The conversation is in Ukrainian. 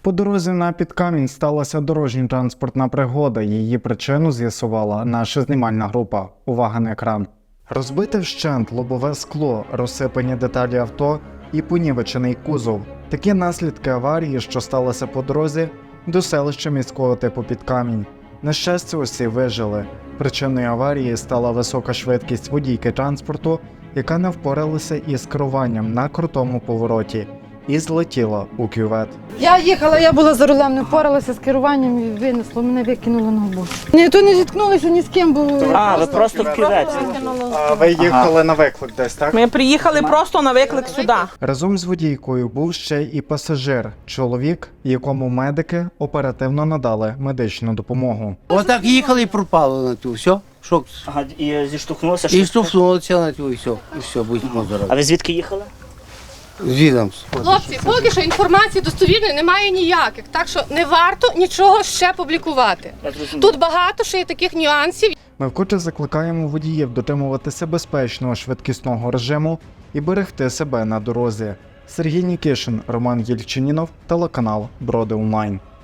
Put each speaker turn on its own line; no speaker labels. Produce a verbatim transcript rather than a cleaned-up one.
По дорозі на Підкамінь сталася дорожньо-транспортна пригода. Її причину з'ясувала наша знімальна група. Увага на екран. Розбите вщент лобове скло, розсипані деталі авто і понівечений кузов. Такі наслідки аварії, що сталося по дорозі до селища міського типу Підкамінь. На щастя, усі вижили. Причиною аварії стала висока швидкість водійки транспорту, яка не впоралася із керуванням на крутому повороті і злетіла у кювет.
Я їхала, я була за рулем, не впоралася з керуванням і винесло, мене викинуло на бок. Ні, то не зіткнулися ні з ким, бо...
А, ви просто в кюветі.
А ви їхали на виклик десь, так?
Ми приїхали просто на виклик сюди.
Разом з водійкою був ще і пасажир, чоловік, якому медики оперативно надали медичну допомогу.
Отак їхали і пропали на ту, все. Шок.
Ага, і зіштовхнулося?
І штовхнулося на ту, і все. І все, будьмо здорові.
А ви звідки їхали?
Звідом.
Хлопці, поки що інформації достовірної немає ніяких, так що не варто нічого ще публікувати.
Я зрозумів.
Тут багато ще є таких нюансів.
Ми вкотре закликаємо водіїв дотримуватися безпечного швидкісного режиму і берегти себе на дорозі. Сергій Нікішин, Роман Єльчинінов, телеканал Броди Онлайн.